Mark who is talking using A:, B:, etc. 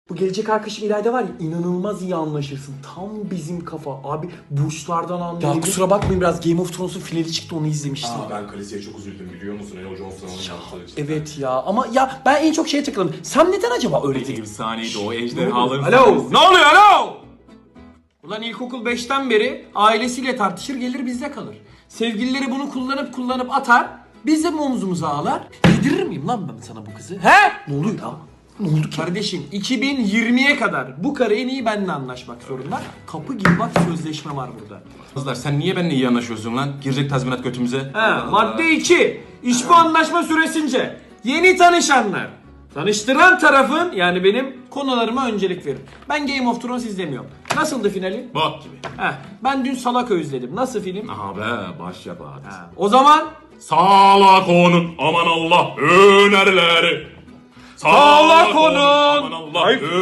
A: Bu gelecek arkadaşım İlayda var ya, inanılmaz iyi anlaşırsın. Tam bizim kafa. Abi burçlardan anlıyor. Ya kusura bakmayın, biraz Game of Thrones'un finali çıktı, onu izlemiştim.
B: Ben Khaleesi'ye çok üzüldüm biliyor musun? Jon Snow'un yaptığı için.
A: Evet ya, ama ya ben en çok şeye takıldım. Sam neden acaba öyle değil?
B: Bir saniyeydi o ejderhaların.
A: Alo, ne oluyor alo? Ulan ilkokul 5'ten beri ailesiyle tartışır, gelir bizde kalır. Sevgilileri bunu kullanıp atar. Biz de omzumuza ağlar. Yedirir miyim lan ben sana bu kızı? He? Ne oluyor ya? Ne oldu ki? Kardeşim 2020'ye kadar bu karı en iyi benimle anlaşmak zorunda. Kapı gibi bak, sözleşme var burada.
B: Kızlar sen niye benimle iyi anlaşıyorsun lan? Girecek tazminat götümüze.
A: Madde 2. İş bu anlaşma süresince yeni tanışanlar tanıştıran tarafın, yani benim, konularıma öncelik verir. Ben Game of Thrones izlemiyorum. Nasıldı finali?
B: Bak gibi.
A: Ben dün Salak'ı izledim. Nasıl film?
B: Aha be başyapıt.
A: O zaman
B: Salak onun aman Allah önerileri.
A: Salak onun
B: aman Allah